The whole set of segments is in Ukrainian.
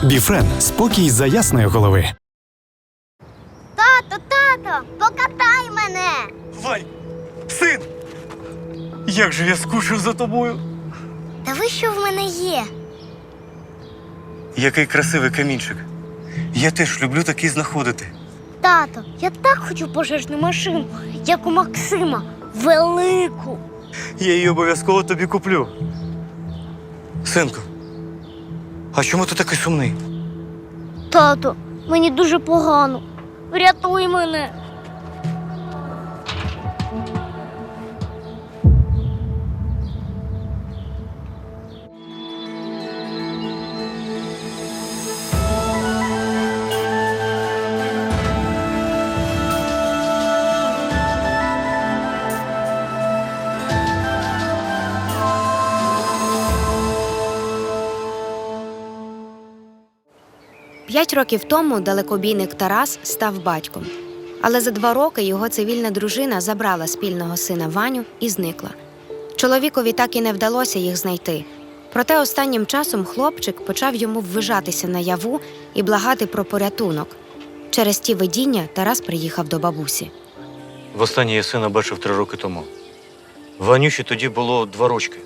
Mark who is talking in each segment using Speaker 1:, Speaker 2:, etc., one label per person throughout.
Speaker 1: Біфрен – спокій за ясної голови.
Speaker 2: Тато, покатай мене!
Speaker 3: Вань, син! Як же я скучив за тобою!
Speaker 2: Та ви що в мене є?
Speaker 3: Який красивий камінчик. Я теж люблю такий знаходити.
Speaker 2: Тато, я так хочу пожежну машину, як у Максима. Велику.
Speaker 3: Я її обов'язково тобі куплю. Синку, а чому ти такий сумний?
Speaker 2: Тато, мені дуже погано. Врятуй мене.
Speaker 4: П'ять років тому далекобійник Тарас став батьком. Але за 2 роки його цивільна дружина забрала спільного сина Ваню і зникла. Чоловікові так і не вдалося їх знайти. Проте останнім часом хлопчик почав йому ввижатися наяву і благати про порятунок. Через ті видіння Тарас приїхав до бабусі.
Speaker 3: Востаннє я сина бачив 3 роки тому. Ванюші тоді було 2 рочки.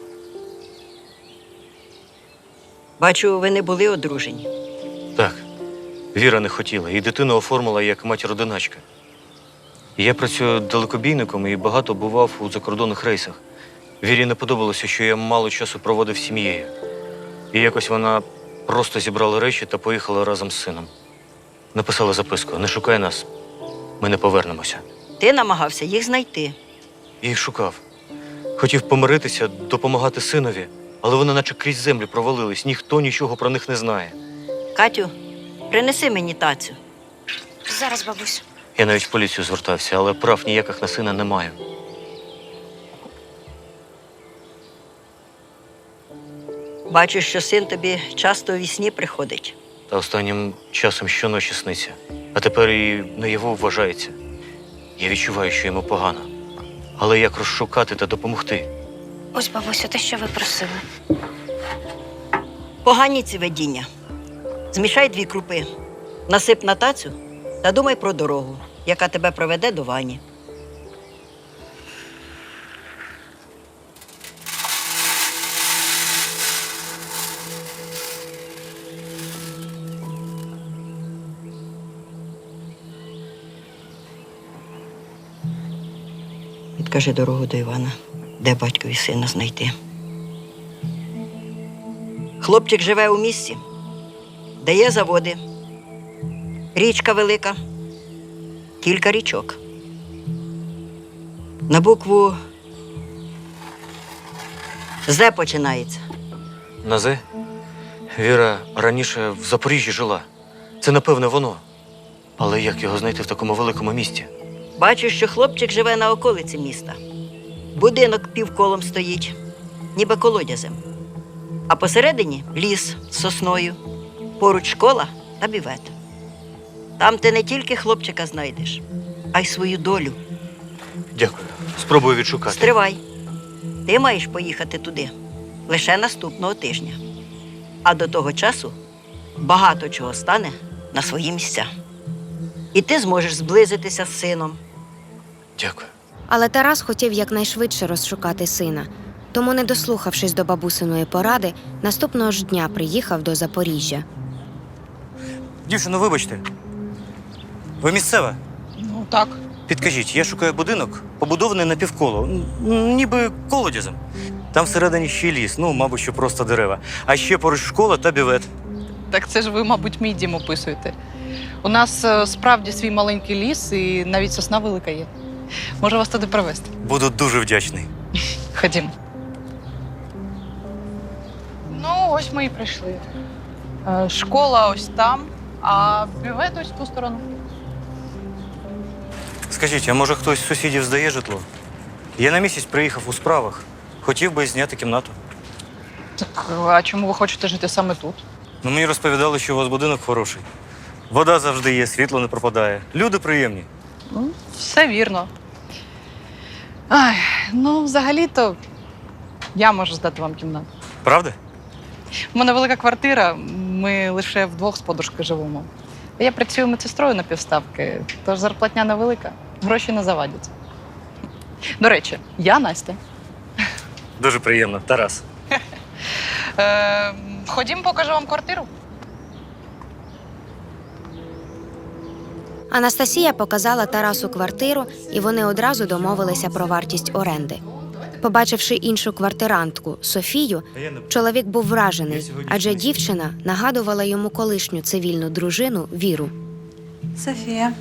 Speaker 5: Бачу, ви не були одружені.
Speaker 3: Так, Віра не хотіла, і дитину оформила як матір-одиначка. Я працюю далекобійником і багато бував у закордонних рейсах. Вірі не подобалося, що я мало часу проводив з сім'єю. І якось вона просто зібрала речі та поїхала разом з сином. Написала записку: «Не шукай нас, ми не повернемося».
Speaker 5: Ти намагався їх знайти.
Speaker 3: Я їх шукав. Хотів помиритися, допомагати синові, але вони наче крізь землю провалились, ніхто нічого про них не знає.
Speaker 5: Катю, принеси мені тацю.
Speaker 4: Зараз, бабусь.
Speaker 3: Я навіть в поліцію звертався, але прав ніяких на сина не маю.
Speaker 5: Бачу, що син тобі часто у вісні приходить.
Speaker 3: Та останнім часом щоночі сниться. А тепер і наяву вважається. Я відчуваю, що йому погано. Але як розшукати та допомогти?
Speaker 4: Ось, бабусю, те, що ви просили.
Speaker 5: Погані ці видіння. Змішай 2 крупи, насип на тацю та думай про дорогу, яка тебе проведе до Вані. Підкажи дорогу до Івана, де батькові сина знайти. Хлопчик живе у місті, де є заводи, річка велика, кілька річок. На букву «З» починається.
Speaker 3: На «З»? Віра раніше в Запоріжжі жила. Це, напевне, воно. Але як його знайти в такому великому місті?
Speaker 5: Бачу, що хлопчик живе на околиці міста. Будинок півколом стоїть, ніби колодязем. А посередині ліс з сосною, поруч школа та бювет. Там ти не тільки хлопчика знайдеш, а й свою долю.
Speaker 3: Дякую. Спробую відшукати.
Speaker 5: Стривай. Ти маєш поїхати туди лише наступного тижня. А до того часу багато чого стане на свої місця. І ти зможеш зблизитися з сином.
Speaker 3: Дякую.
Speaker 4: Але Тарас хотів якнайшвидше розшукати сина. Тому, не дослухавшись до бабусиної поради, наступного ж дня приїхав до Запоріжжя.
Speaker 3: Дівчино, вибачте. Ви місцева?
Speaker 6: Ну, так.
Speaker 3: Підкажіть, я шукаю будинок, побудований напівколо, ніби колодязем. Там всередині ще ліс, мабуть, що просто дерева. А ще поруч школа та бювет.
Speaker 6: Так це ж ви, мабуть, мій дім описуєте. У нас справді свій маленький ліс і навіть сосна велика є. Можу вас туди провести.
Speaker 3: Буду дуже вдячний.
Speaker 6: Ходімо. Ну, ось ми і прийшли. Школа ось там, а бювет ось в ту сторону.
Speaker 3: Скажіть, а може хтось з сусідів здає житло? Я на місяць приїхав у справах. Хотів би зняти кімнату.
Speaker 6: Так, а чому ви хочете жити саме тут?
Speaker 3: Мені розповідали, що у вас будинок хороший. Вода завжди є, світло не пропадає. Люди приємні.
Speaker 6: Ну, все вірно. Ай, ну, взагалі-то я можу здати вам кімнату.
Speaker 3: Правда?
Speaker 6: У мене велика квартира, ми лише вдвох з подружкою живемо. Я працюю медсестрою на півставки, тож зарплатня невелика, гроші не завадять. До речі, я Настя.
Speaker 3: Дуже приємно, Тарас.
Speaker 6: Ходім, покажу вам квартиру.
Speaker 4: Анастасія показала Тарасу квартиру, і вони одразу домовилися про вартість оренди. Побачивши іншу квартирантку Софію, чоловік був вражений, адже дівчина нагадувала йому колишню цивільну дружину Віру.
Speaker 7: Софія.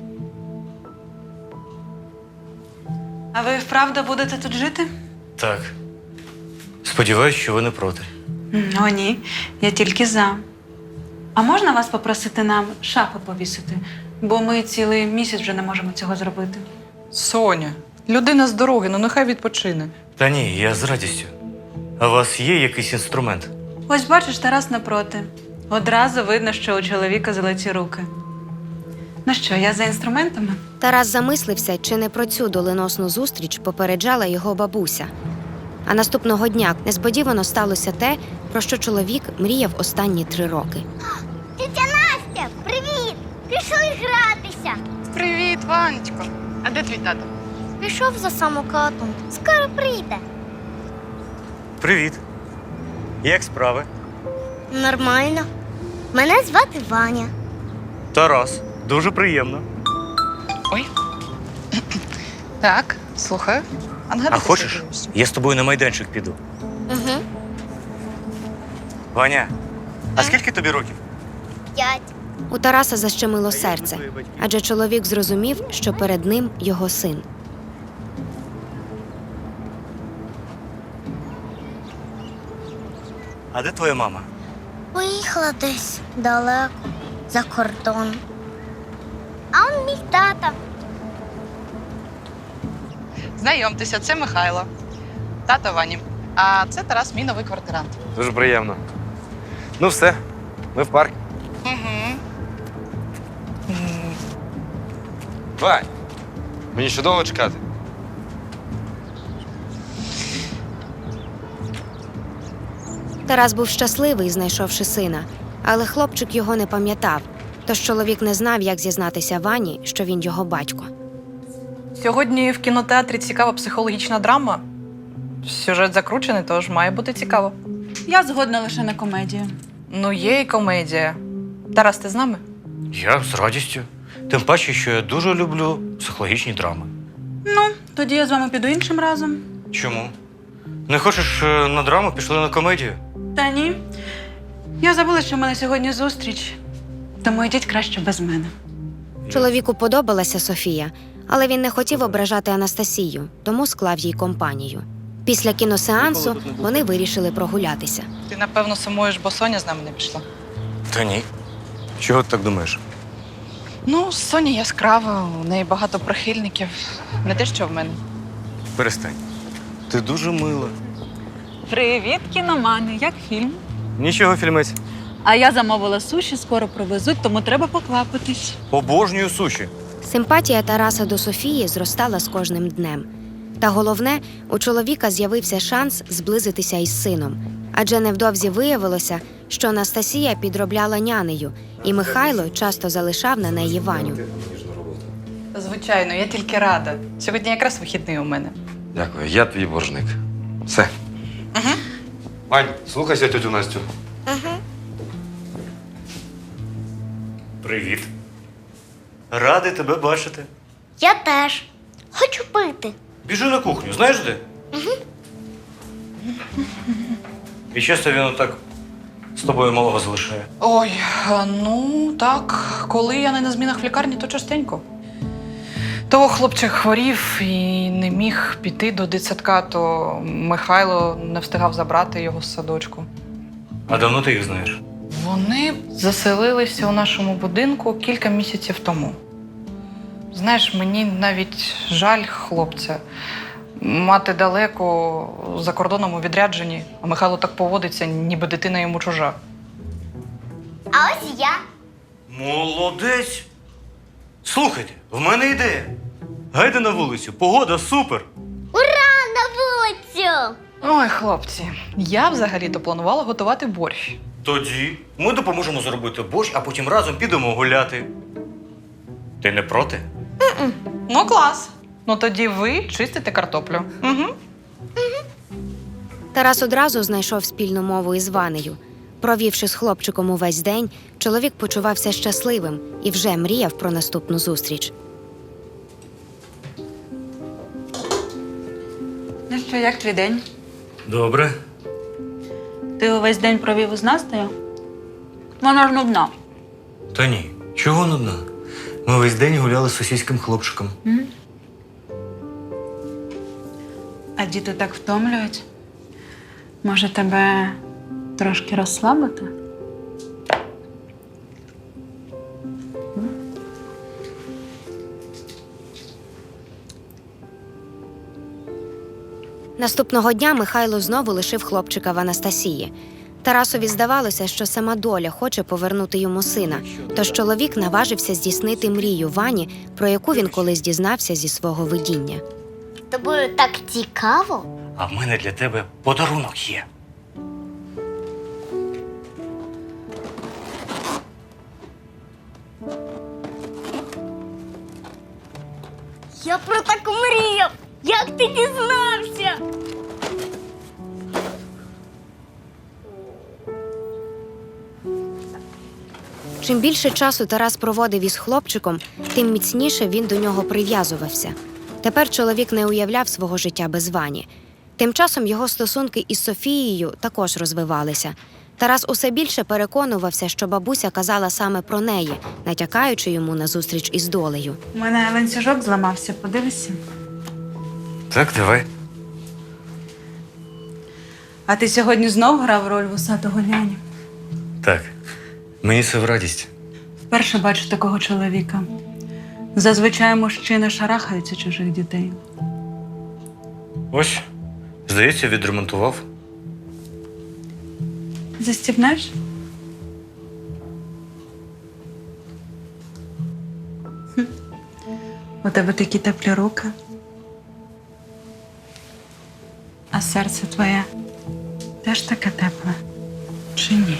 Speaker 7: А ви вправду будете тут жити?
Speaker 3: Так. Сподіваюсь, що ви не проти.
Speaker 7: О, ні, я тільки за. А можна вас попросити нам шафи повісити? Бо ми цілий місяць вже не можемо цього зробити.
Speaker 6: Соня, людина з дороги, ну нехай відпочине.
Speaker 3: Та ні, я з радістю. А у вас є якийсь інструмент?
Speaker 7: Ось бачиш, Тарас напроти. Одразу видно, що у чоловіка золоті руки. Ну що, я за інструментами?
Speaker 4: Тарас замислився, чи не про цю доленосну зустріч попереджала його бабуся. А наступного дня несподівано сталося те, про що чоловік мріяв останні 3 роки.
Speaker 2: Тетя Настя, привіт! Пішли гратися.
Speaker 6: Привіт, Ванечко. А де твій тато?
Speaker 2: Пішов за самокатом. Скоро прийде.
Speaker 3: Привіт. Як справи?
Speaker 2: Нормально. Мене звати Ваня.
Speaker 3: Тарас. Дуже приємно.
Speaker 6: Ой. Так, слухаю.
Speaker 3: А хочеш, я з тобою на майданчик піду?
Speaker 2: Угу.
Speaker 3: Ваня, а скільки тобі років?
Speaker 2: 5.
Speaker 4: У Тараса защемило серце, адже чоловік зрозумів, що перед ним його син.
Speaker 3: А де твоя мама?
Speaker 2: Поїхала десь далеко, за кордон. А он мій тата.
Speaker 6: Знайомтеся, це Михайло. Тато Вані. А це Тарас, мій новий квартирант.
Speaker 8: Дуже приємно. Ну все, ми в парк.
Speaker 6: Угу.
Speaker 8: Вань, мені ще довго чекати?
Speaker 4: Тарас був щасливий, знайшовши сина, але хлопчик його не пам'ятав, тож чоловік не знав, як зізнатися Вані, що він його батько.
Speaker 6: Сьогодні в кінотеатрі цікава психологічна драма. Сюжет закручений, тож має бути цікаво.
Speaker 7: Я згодна лише на комедію.
Speaker 6: Ну, є і комедія. Тарас, ти з нами?
Speaker 3: Я з радістю. Тим паче, що я дуже люблю психологічні драми.
Speaker 7: Ну, тоді я з вами піду іншим разом.
Speaker 3: Чому? Не хочеш на драму, пішли на комедію?
Speaker 7: Та ні. Я забула, що в мене сьогодні зустріч. Тому йдіть краще без мене.
Speaker 4: Чоловіку подобалася Софія, але він не хотів ображати Анастасію, тому склав їй компанію. Після кіносеансу вони вирішили прогулятися.
Speaker 6: Ти, напевно, сумуєш, бо Соня з нами не пішла.
Speaker 3: Та ні. Чого ти так думаєш?
Speaker 6: Ну, Соня яскрава, у неї багато прихильників. Не те, що в мене.
Speaker 3: Перестань. Ти дуже мила.
Speaker 7: Привіт, кіномани. Як фільм?
Speaker 3: Нічого, фільмець.
Speaker 7: А я замовила суші, скоро привезуть, тому треба поквапитись.
Speaker 3: Обожнюю суші.
Speaker 4: Симпатія Тараса до Софії зростала з кожним днем. Та головне, у чоловіка з'явився шанс зблизитися із сином. Адже невдовзі виявилося, що Анастасія підробляла нянею, і Михайло часто залишав на неї Ваню.
Speaker 6: Звичайно, я тільки рада. Сьогодні якраз вихідний у мене.
Speaker 8: Дякую, я твій боржник. Все.
Speaker 6: Угу.
Speaker 8: Вань, слухайся тетю Настю.
Speaker 3: Привіт. Радий тебе бачити.
Speaker 2: Я теж. Хочу пити.
Speaker 3: Біжи на кухню, знаєш де? І часто він отак з тобою малого залишає.
Speaker 6: Ой, ну так, коли я не на змінах в лікарні, то частенько. То хлопчик хворів і не міг піти до дитсадка, то Михайло не встигав забрати його з садочку.
Speaker 3: А давно ти їх знаєш?
Speaker 6: Вони заселилися у нашому будинку кілька місяців тому. Знаєш, мені навіть жаль хлопця. Мати далеко, за кордоном у відрядженні, а Михайло так поводиться, ніби дитина йому чужа.
Speaker 2: А ось я.
Speaker 3: Молодець! Слухайте, в мене ідея. Гайде на вулицю, погода супер!
Speaker 2: Ура! На вулицю!
Speaker 6: Ой, хлопці, я взагалі-то планувала готувати борщ.
Speaker 3: Тоді ми допоможемо зробити борщ, а потім разом підемо гуляти. Ти не проти?
Speaker 6: Ну, клас. Ну тоді ви чистите картоплю. Угу.
Speaker 4: Тарас одразу знайшов спільну мову із Ванею. Провівши з хлопчиком увесь день, чоловік почувався щасливим і вже мріяв про наступну зустріч.
Speaker 7: Ну що, як твій день?
Speaker 3: Добре.
Speaker 7: Ти увесь день провів із Настею? Вона ж нудна.
Speaker 3: Та ні, чого нудна? Ми весь день гуляли з сусідським хлопчиком.
Speaker 7: А діти так втомлюють. Може, тебе трошки розслабити?
Speaker 4: Наступного дня Михайло знову лишив хлопчика в Анастасії. Тарасові здавалося, що сама доля хоче повернути йому сина, тож чоловік наважився здійснити мрію Вані, про яку він колись дізнався зі свого видіння.
Speaker 2: Тобою так цікаво.
Speaker 3: А в мене для тебе подарунок є.
Speaker 2: Я про так мріяв. Як ти дізнався?
Speaker 4: Чим більше часу Тарас проводив із хлопчиком, тим міцніше він до нього прив'язувався. Тепер чоловік не уявляв свого життя без Вані. Тим часом його стосунки із Софією також розвивалися. Тарас усе більше переконувався, що бабуся казала саме про неї, натякаючи йому на зустріч із долею.
Speaker 7: У мене ланцюжок зламався, подивишся.
Speaker 3: Так, давай.
Speaker 7: А ти сьогодні знов грав роль вусатого няні?
Speaker 3: Так. Мені це в радість.
Speaker 7: Вперше бачу такого чоловіка. Зазвичай мужчини шарахаються чужих дітей.
Speaker 3: Ось, здається, відремонтував.
Speaker 7: Застібнеш? У тебе такі теплі руки. А серце твоє теж таке тепле? Чи ні?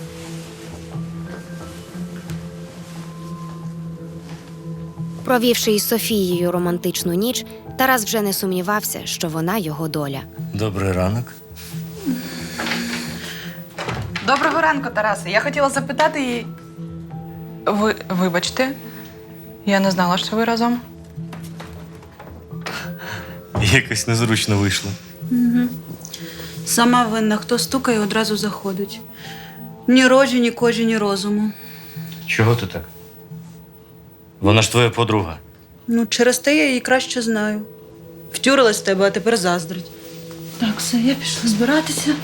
Speaker 4: Провівши із Софією романтичну ніч, Тарас вже не сумнівався, що вона його доля.
Speaker 3: Добрий ранок.
Speaker 6: Доброго ранку, Тарасе. Я хотіла запитати її. Вибачте, я не знала, що ви разом.
Speaker 3: Якось незручно вийшло.
Speaker 7: Сама винна, хто стукає, одразу заходить. Ні рожі, ні кожі, ні розуму.
Speaker 3: Чого ти так? Вона ж твоя подруга.
Speaker 7: Ну, через те я її краще знаю. Втюрилась в тебе, а тепер заздрить. Так, все, я пішла збиратися.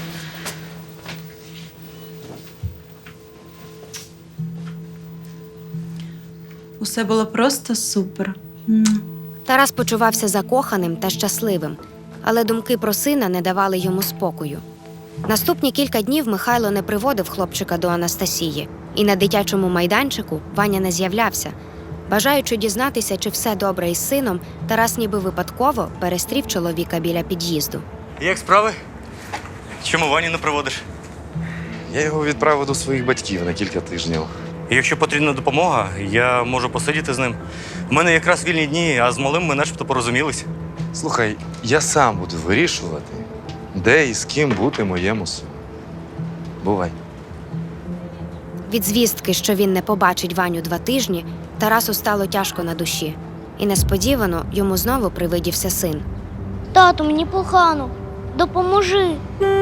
Speaker 7: Усе було просто супер.
Speaker 4: Тарас почувався закоханим та щасливим, але думки про сина не давали йому спокою. Наступні кілька днів Михайло не приводив хлопчика до Анастасії, і на дитячому майданчику Ваня не з'являвся. Бажаючи дізнатися, чи все добре із сином, Тарас ніби випадково перестрів чоловіка біля під'їзду.
Speaker 3: Як справи? Чому Ваню не приводиш?
Speaker 8: Я його відправив до своїх батьків на кілька тижнів.
Speaker 3: Якщо потрібна допомога, я можу посидіти з ним. У мене якраз вільні дні, а з малим ми начебто порозумілись.
Speaker 8: Слухай, я сам буду вирішувати, де і з ким бути моєму сину. Бувай.
Speaker 4: Від звістки, що він не побачить Ваню 2 тижні, Тарасу стало тяжко на душі. І несподівано йому знову привидівся син.
Speaker 2: Тату, мені погано. Допоможи.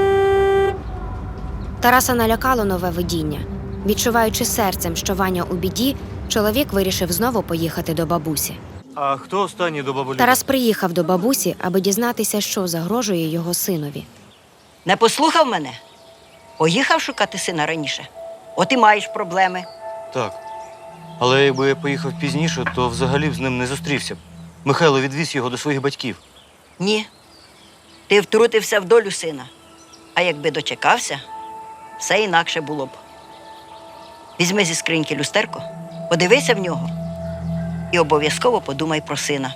Speaker 4: Тараса налякало нове видіння. Відчуваючи серцем, що Ваня у біді, чоловік вирішив знову поїхати до бабусі.
Speaker 3: А хто останній до бабулі?
Speaker 4: Тарас приїхав до бабусі, аби дізнатися, що загрожує його синові.
Speaker 5: Не послухав мене? Поїхав шукати сина раніше. От і маєш проблеми.
Speaker 3: Так. Але якби я поїхав пізніше, то взагалі б з ним не зустрівся б. Михайло відвіз його до своїх батьків.
Speaker 5: Ні. Ти втрутився в долю сина. А якби дочекався, все інакше було б. Візьми зі скриньки люстерко, подивися в нього і обов'язково подумай про сина.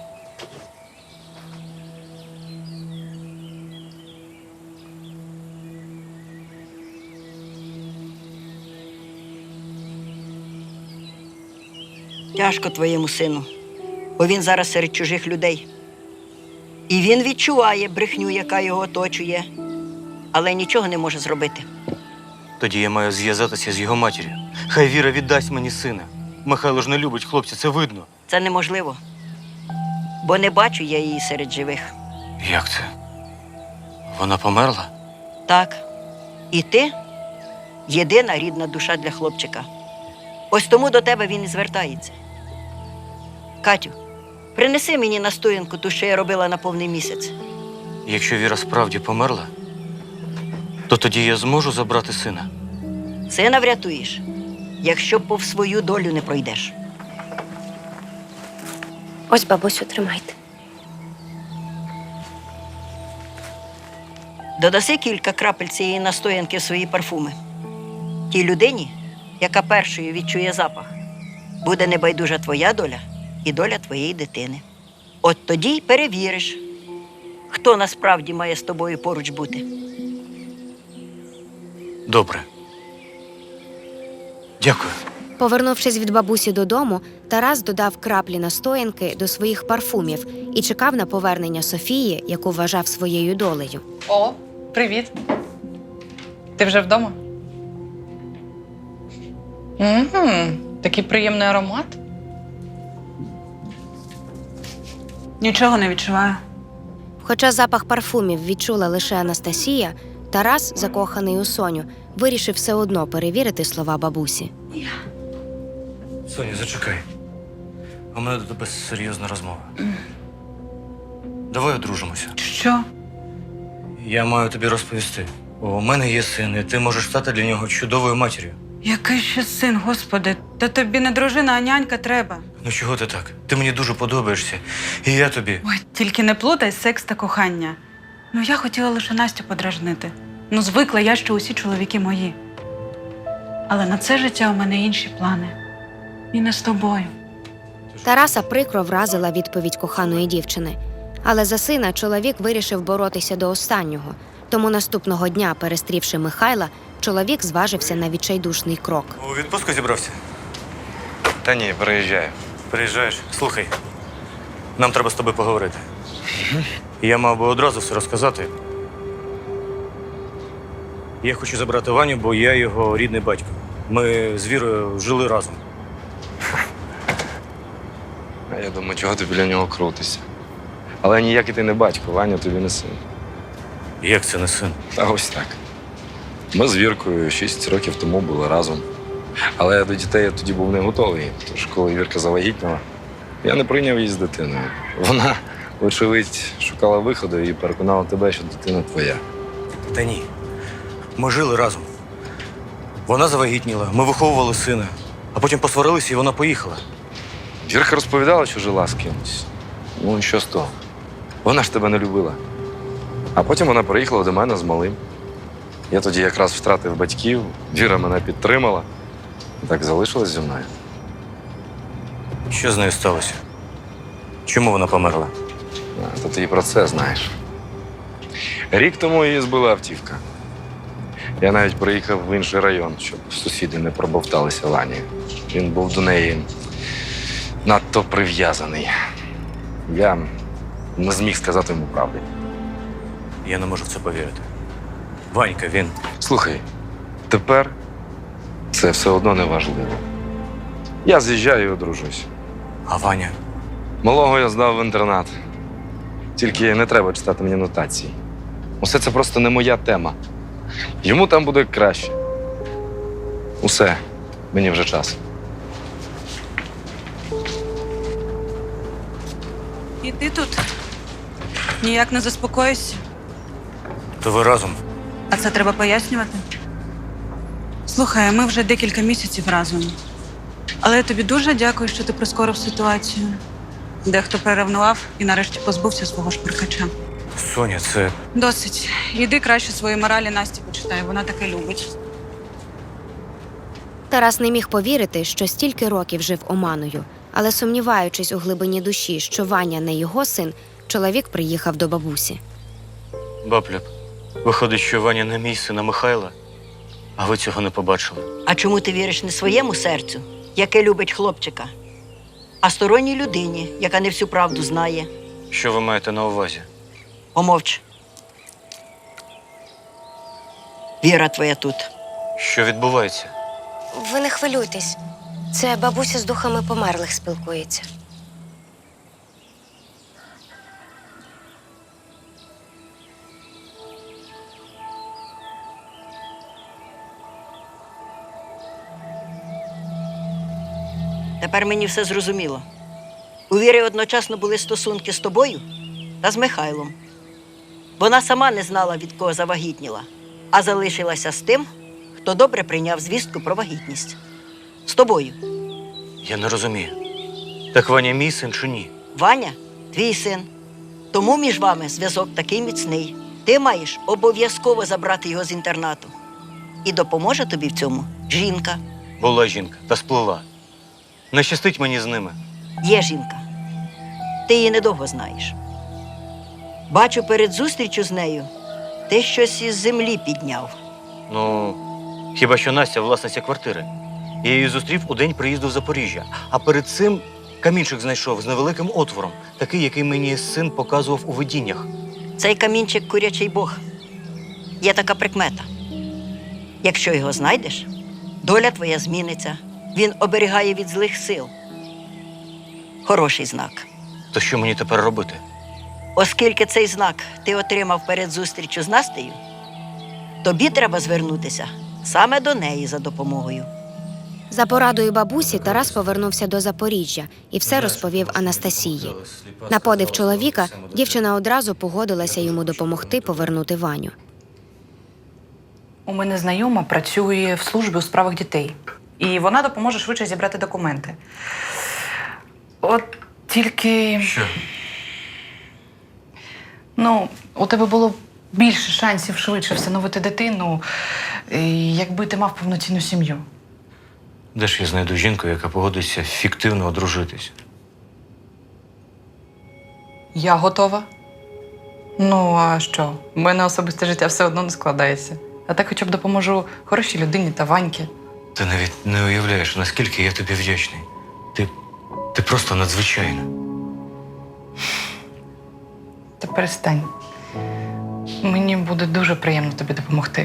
Speaker 5: Тяжко твоєму сину, бо він зараз серед чужих людей. І він відчуває брехню, яка його оточує, але нічого не може зробити.
Speaker 3: Тоді я маю зв'язатися з його матір'ю. Хай Віра віддасть мені сина. Михайло ж не любить хлопця, це видно.
Speaker 5: Це неможливо, бо не бачу я її серед живих.
Speaker 3: Як це? Вона померла?
Speaker 5: Так, і ти єдина рідна душа для хлопчика. Ось тому до тебе він і звертається. Катю, принеси мені настоянку ту, що я робила на повний місяць.
Speaker 3: Якщо Віра справді померла, то тоді я зможу забрати сина.
Speaker 5: Сина врятуєш, якщо повз свою долю не пройдеш.
Speaker 4: Ось, бабусю, тримайте.
Speaker 5: Додаси кілька крапель цієї настоянки в свої парфуми. Тій людині, яка першою відчує запах, буде небайдужа твоя доля і доля твоєї дитини. От тоді й перевіриш, хто насправді має з тобою поруч бути.
Speaker 3: Добре. Дякую.
Speaker 4: Повернувшись від бабусі додому, Тарас додав краплі настоянки до своїх парфумів і чекав на повернення Софії, яку вважав своєю долею.
Speaker 6: О, привіт. Ти вже вдома? Такий приємний аромат.
Speaker 7: Нічого не відчуваю.
Speaker 4: Хоча запах парфумів відчула лише Анастасія, Тарас, закоханий у Соню, вирішив все одно перевірити слова бабусі.
Speaker 3: Соня, зачекай. У мене до тебе серйозна розмова. Давай одружимося.
Speaker 7: Що?
Speaker 3: Я маю тобі розповісти. У мене є син, і ти можеш стати для нього чудовою матір'ю.
Speaker 7: Який ще син, Господи? Та тобі не дружина, а нянька треба.
Speaker 3: Ну чого ти так? Ти мені дуже подобаєшся. І я тобі.
Speaker 7: Ой, тільки не плутай секс та кохання. Ну, я хотіла лише Настю подражнити. Ну, звикла я, що усі чоловіки мої. Але на це життя у мене інші плани. І не з тобою.
Speaker 4: Тараса прикро вразила відповідь коханої дівчини. Але за сина чоловік вирішив боротися до останнього. Тому наступного дня, перестрівши Михайла, чоловік зважився на відчайдушний крок.
Speaker 3: У відпустку зібрався?
Speaker 8: Та ні, переїжджаю.
Speaker 3: Приїжджаєш. Слухай, нам треба з тобою поговорити. Я мав би одразу все розказати. Я хочу забрати Ваню, бо я його рідний батько. Ми з Вірою жили разом.
Speaker 8: А я думаю, чого ти біля нього крутишся. Але ніякий ти не батько, Ваня тобі не син.
Speaker 3: Як це не син?
Speaker 8: Та ось так. Ми з Віркою 6 років тому були разом. Але до дітей я тоді був не готовий. Тож, коли Вірка завагітніла, я не прийняв її з дитиною. Вона, вочевидь, шукала виходу і переконала тебе, що дитина твоя.
Speaker 3: Та ні. Ми жили разом. Вона завагітніла, ми виховували сина, а потім посварилися і вона поїхала.
Speaker 8: Вірка розповідала, що жила з кимось. Ну і що з того? Вона ж тебе не любила. А потім вона приїхала до мене з малим. Я тоді якраз втратив батьків, Віра мене підтримала. І так залишилась зі мною.
Speaker 3: Що з нею сталося? Чому вона померла?
Speaker 8: То ти і про це знаєш. Рік тому її збила автівка. Я навіть приїхав в інший район, щоб сусіди не пробовталися Вані. Він був до неї надто прив'язаний. Я не зміг сказати йому правди.
Speaker 3: Я не можу в це повірити. Ванька, він.
Speaker 8: Слухай, тепер це все одно не важливо. Я з'їжджаю і одружуюсь.
Speaker 3: А Ваня?
Speaker 8: Малого я здав в інтернат. Тільки не треба читати мені нотації. Усе це просто не моя тема. Йому там буде краще. Усе, мені вже час.
Speaker 7: І ти тут ніяк не заспокоїшся.
Speaker 3: То ви разом?
Speaker 7: А це треба пояснювати? Слухай, ми вже декілька місяців разом. Але я тобі дуже дякую, що ти прискорив ситуацію. Дехто переревнував і нарешті позбувся свого шпиркача.
Speaker 3: Соня, це.
Speaker 7: Досить. Іди краще свої моралі Насті почитай, вона таке любить.
Speaker 4: Тарас не міг повірити, що стільки років жив оманою. Але сумніваючись у глибині душі, що Ваня не його син, чоловік приїхав до бабусі.
Speaker 3: Бабля, виходить, що Ваня не мій син, а Михайла, а ви цього не побачили.
Speaker 5: А чому ти віриш не своєму серцю, яке любить хлопчика, а сторонній людині, яка не всю правду знає.
Speaker 3: Що ви маєте на увазі?
Speaker 5: Помовч. Віра твоя тут.
Speaker 3: Що відбувається?
Speaker 4: Ви не хвилюйтесь. Це бабуся з духами померлих спілкується.
Speaker 5: Тепер мені все зрозуміло. У Віри одночасно були стосунки з тобою та з Михайлом. Вона сама не знала, від кого завагітніла, а залишилася з тим, хто добре прийняв звістку про вагітність. З тобою.
Speaker 3: Я не розумію. Так Ваня мій син чи ні?
Speaker 5: Ваня – твій син. Тому між вами зв'язок такий міцний. Ти маєш обов'язково забрати його з інтернату. І допоможе тобі в цьому жінка.
Speaker 3: Була жінка та сплила. Не щастить мені з ними.
Speaker 5: Є жінка. Ти її недовго знаєш. Бачу, перед зустрічю з нею ти щось із землі підняв.
Speaker 3: Ну, хіба що Настя власниця квартири. Я її зустрів у день приїзду в Запоріжжя. А перед цим камінчик знайшов з невеликим отвором. Такий, який мені син показував у видіннях.
Speaker 5: Цей камінчик – курячий бог. Є така прикмета. Якщо його знайдеш, доля твоя зміниться. Він оберігає від злих сил. Хороший знак.
Speaker 3: То що мені тепер робити?
Speaker 5: Оскільки цей знак ти отримав перед зустрічю з Настею, тобі треба звернутися саме до неї за допомогою.
Speaker 4: За порадою бабусі Тарас повернувся до Запоріжжя і все розповів Анастасії. На подив чоловіка дівчина одразу погодилася йому допомогти повернути Ваню.
Speaker 6: У мене знайома працює в службі у справах дітей. І вона допоможе швидше зібрати документи. От тільки.
Speaker 3: Що?
Speaker 6: Ну, у тебе було більше шансів швидше всиновити дитину, якби ти мав повноцінну сім'ю.
Speaker 3: Де ж я знайду жінку, яка погодиться фіктивно одружитись?
Speaker 6: Я готова. Ну, а що? У мене особисте життя все одно не складається. А так хоча б допоможу хорошій людині та Ваньки.
Speaker 3: Ти навіть не уявляєш, наскільки я тобі вдячний. Ти просто надзвичайна.
Speaker 6: Та перестань. Мені буде дуже приємно тобі допомогти.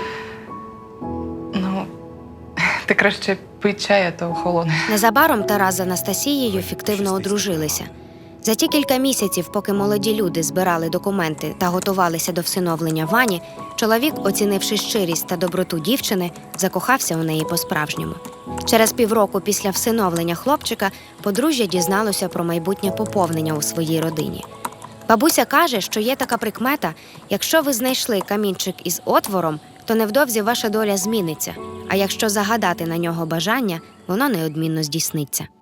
Speaker 6: Ну, ти краще пий чай, а то охолоне.
Speaker 4: Незабаром Тарас з Анастасією фіктивно одружилися. За ті кілька місяців, поки молоді люди збирали документи та готувалися до всиновлення Вані, чоловік, оцінивши щирість та доброту дівчини, закохався у неї по-справжньому. Через півроку після всиновлення хлопчика подружжя дізналося про майбутнє поповнення у своїй родині. Бабуся каже, що є така прикмета: якщо ви знайшли камінчик із отвором, то невдовзі ваша доля зміниться, а якщо загадати на нього бажання, воно неодмінно здійсниться.